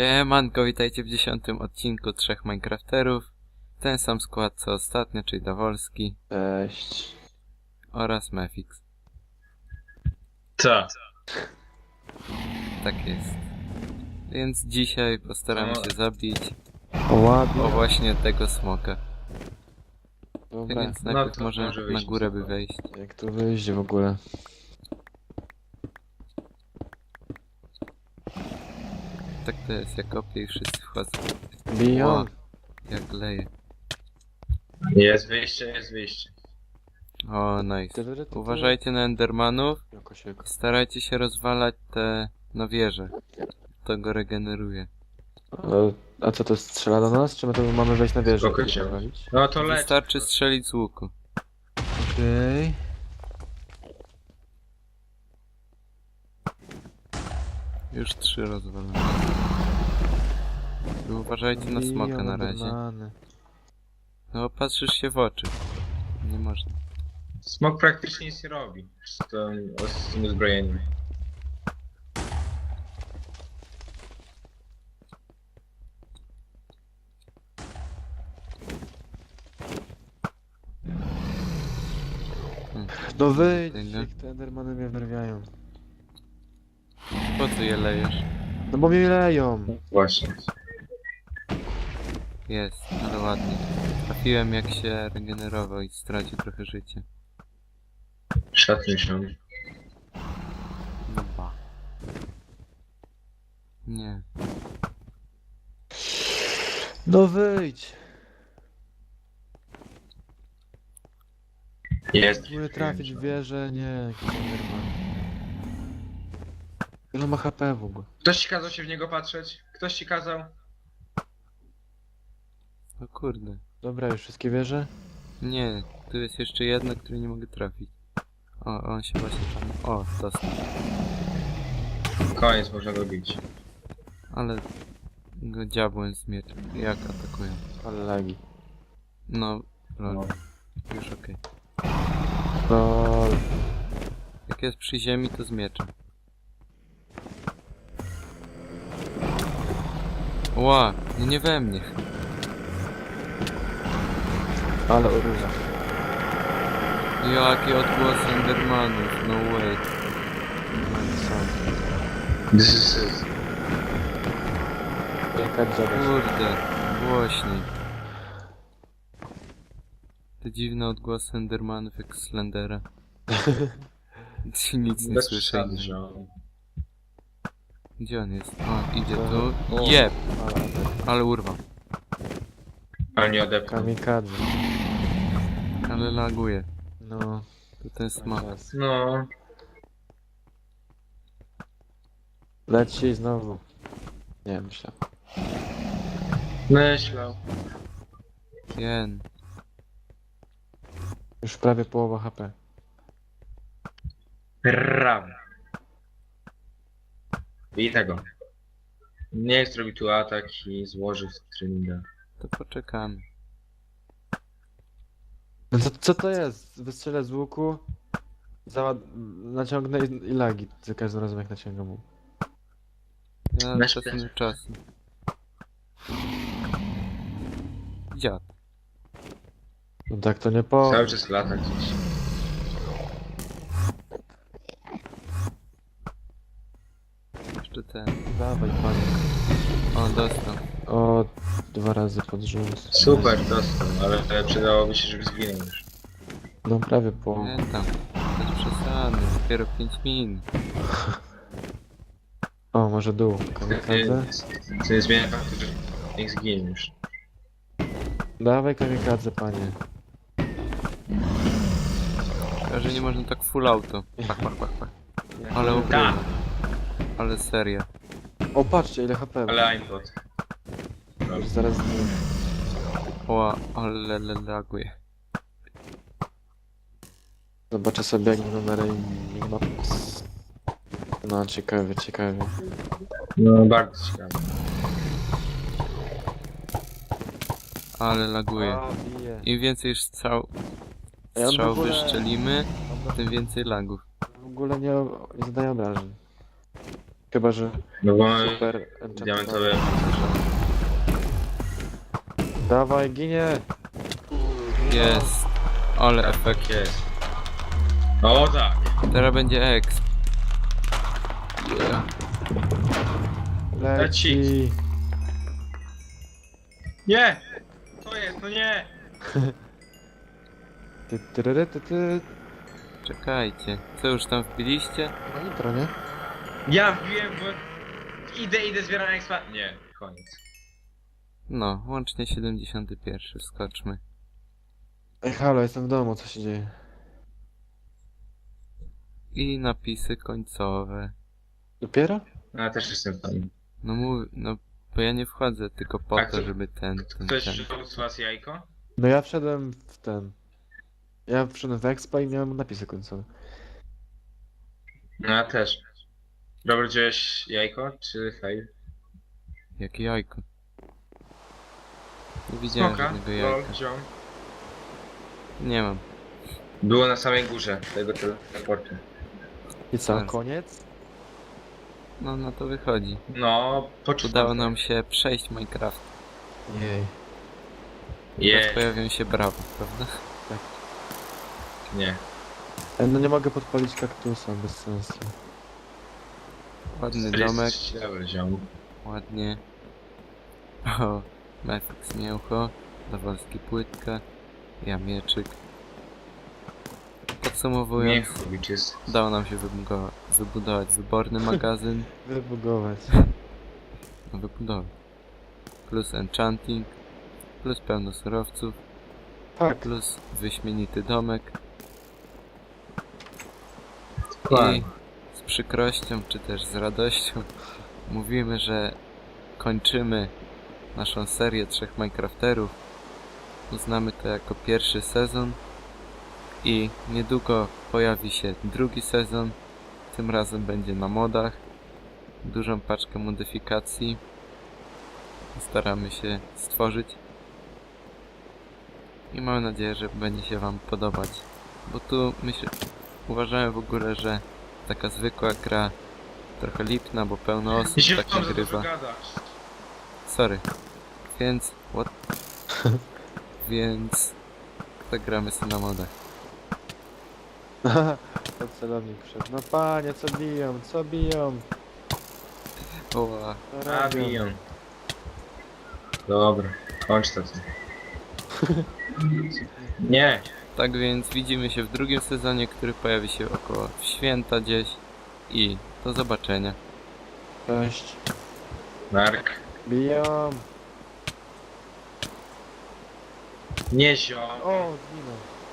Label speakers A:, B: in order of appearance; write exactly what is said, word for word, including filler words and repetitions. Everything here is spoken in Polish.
A: Siemanko, witajcie w dziesiątym odcinku Trzech Minecrafterów. Ten sam skład co ostatnio, czyli Dawolski.
B: Cześć.
A: Oraz Mefix.
C: Co?
A: Tak jest. Więc dzisiaj postaramy
C: No.
A: się zabić
B: O, ładnie.
A: o właśnie tego smoka.
B: Dobra,
A: Więc
C: No
A: najpierw
C: to
A: może
C: może
A: na
C: wyjść
A: górę
C: na
A: by
C: zewnątrz.
A: wejść.
B: jak tu wyjść w ogóle?
A: Tak to jest, jak kopię i wszyscy wchodzą.
B: Biją?
A: Ła, jak leje.
C: Jest wyjście, jest wyjście.
A: O, nice.
B: Ty, ty, ty, ty.
A: Uważajcie na endermanów.
B: Jakoś, jak...
A: Starajcie się rozwalać te, no wieże. To go regeneruje.
B: E, A co, to strzela do nas? Czy my to mamy wejść na wieżę?
C: Spoko
B: i
C: się.
B: walić?
C: No to leć.
A: Wystarczy strzelić z łuku.
B: Okej.
A: Już trzy rozwalone. I uważajcie na
B: Biją
A: smoka na razie.
B: endermany.
A: No patrzysz się w oczy. Nie można.
C: Smok praktycznie nic nie robi. Z tym, z tym uzbrojeniem.
B: No wyjdź,
A: Tyle.
B: jak te endermany mnie wnerwiają.
A: Po co je lejesz?
B: No bo mnie leją.
C: Właśnie.
A: Jest, ale ładnie. Trafiłem jak się regenerował i stracił trochę życia.
C: Szacuj się.
A: No ba. Nie.
B: No wyjdź.
C: Jest.
B: Próbuję trafić w wieżę, nie, jakiś enderman. Ile ma H P w ogóle?
C: Ktoś ci kazał się w niego patrzeć? Ktoś ci kazał?
A: O kurde.
B: Dobra, już wszystkie wieże?
A: Nie, tu jest jeszcze jedna, której nie mogę trafić. O, on się właśnie tam... O, dostał.
C: Koniec, można go bić.
A: Ale go dziabłem z mieczem. Jak atakują?
B: Ale lagi.
A: No, lol.
C: No.
A: Już okej.
B: No,
A: Jak jest przy ziemi, to z mieczem. Ła, no nie we mnie.
B: ale oróża.
A: Jakie odgłosy endermanów, no way.
C: This is it.
B: Jaka dziada.
A: Kurde, głośniej. Te dziwne odgłosy endermanów jak Slendera. Nic nie
C: Bez
A: słyszę.
C: przesady, że on...
A: Gdzie on jest? O, idzie tu.
B: O.
A: Jeb!
B: Ale
A: Ale urwał.
C: Ale nie odepnął.
B: kamikadze.
A: Ale laguje.
B: No,
A: To ten smok.
B: czas.
C: No.
B: Leci znowu. Nie, myślę.
C: Myślał.
A: Jen.
B: Już prawie połowa H P.
C: Ram. I tego. Nie zrobi tu atak i złoży w treninga.
A: To poczekamy.
B: No to, co to jest? Wystrzelę z łuku, załad... naciągnę i, i lagi za każdym razem jak naciągam łuk.
A: Ja
C: Weź
A: czasem
C: plec.
A: czasu. Dziad.
B: No tak to nie po...
C: Cały czas lata gdzieś.
A: Jeszcze ten.
B: Dawaj panie.
A: O, dostał.
B: O, dwa razy pod rząd.
C: Super, dostał, ale przydałoby się, żeby zginął już.
B: No prawie połowa.
A: Nie tam. Bez przesady. Dopiero pięć minut.
B: O, może dół.
C: To
B: Kamikadze?
C: nie- to nie zmienia faktu, że niech zginie już.
B: Dawaj kamikadze panie.
A: Szkoda, że nie można tak full auto. Pach, pach, pach, pach. Ale
C: Tak.
A: ukrywa. Ale seria.
B: O, patrzcie ile H P.
C: Ale aimbot.
B: Już zaraz...
A: Ła, ale le- laguje.
B: Zobaczę sobie jak wygląda Max. No ciekawie, ciekawie.
C: No bardzo ciekawe.
A: Ale laguje.
B: O, bije.
A: Im więcej strzał,
B: Ja w
A: strzał
B: ogóle-
A: wyszczelimy, tym więcej lagów.
B: W ogóle nie, nie zadaje obrażeń. Chyba, że
C: No bo mamy
B: super enchantowany.
C: diamentowe.
B: Dawaj, ginie!
A: Jest. Ale efekt.
C: Tak jest. O tak.
A: Teraz będzie exp.
B: Leci!
C: Nie! To jest, no nie!
B: Ty, tyryry, ty, ty.
A: Czekajcie. Co już tam wbiliście?
B: No intro, nie?
C: Ja wbiłem, bo idę, idę, zbieram expa. Nie, koniec.
A: No, łącznie siedemdziesiąty pierwszy. Wskoczmy.
B: Ej, halo, jestem w domu, co się dzieje?
A: I napisy końcowe.
B: Dopiero?
C: No, ja też jestem tam.
A: No mów, no bo ja nie wchodzę tylko po
C: A
A: to,
C: kto-
A: żeby ten, ten,
C: Ktoś
A: ten.
C: przyszedł z was jajko?
B: No ja wszedłem w ten... Ja wszedłem w Expa i miałem napisy końcowe.
C: No ja też. Robert, wziąłeś jajko, czy fail?
A: Jakie jajko? Nie widziałem
C: Smoka,
A: żadnego
C: lol,
A: jajka.
C: wziąłem.
A: Nie mam.
C: Było na samej górze tego teleportu.
B: I co,
A: Tak.
B: koniec?
A: No, no to wychodzi.
C: No, poczułem.
A: Udało nam się przejść Minecraft.
B: Jej.
A: Teraz
C: Je,
A: pojawią się brawo, prawda?
C: nie.
B: Ej, no nie mogę podpalić kaktusa, bez sensu.
A: Ładny domek,
C: Dobra, ziom.
A: ładnie. O, Mefix mięcho, Dawolski płytka, ja mieczyk. Podsumowując,
C: Miechowicz jest.
A: udało nam się wybudować, wybudować wyborny magazyn.
B: Wybugować.
A: No wybudować. Plus enchanting, plus pełno surowców,
B: Tak.
A: plus wyśmienity domek.
C: Dokładnie.
A: I z przykrością, czy też z radością mówimy, że kończymy naszą serię trzech Minecrafterów. Uznamy to jako pierwszy sezon i niedługo pojawi się drugi sezon. Tym razem będzie na modach. Dużą paczkę modyfikacji staramy się stworzyć i mam nadzieję, że będzie się wam podobać, bo tu myślę, uważałem w ogóle, że taka zwykła gra trochę lipna, bo pełno osób
C: Ziom,
A: tak
C: za dużo
A: nagrywa.
C: gadasz.
A: Sorry. Więc what? Więc zagramy sobie na modach.
B: Pod celownik wszedł. No panie, co biją, co biją?
A: Oła.
B: Co
C: A,
B: robią?
C: biją. Dobra, kończ to. ty. Nie.
A: Tak więc widzimy się w drugim sezonie, który pojawi się około święta gdzieś i do zobaczenia.
B: Cześć.
C: Mark.
B: Biją.
C: Nie ziom.
B: O, zginął.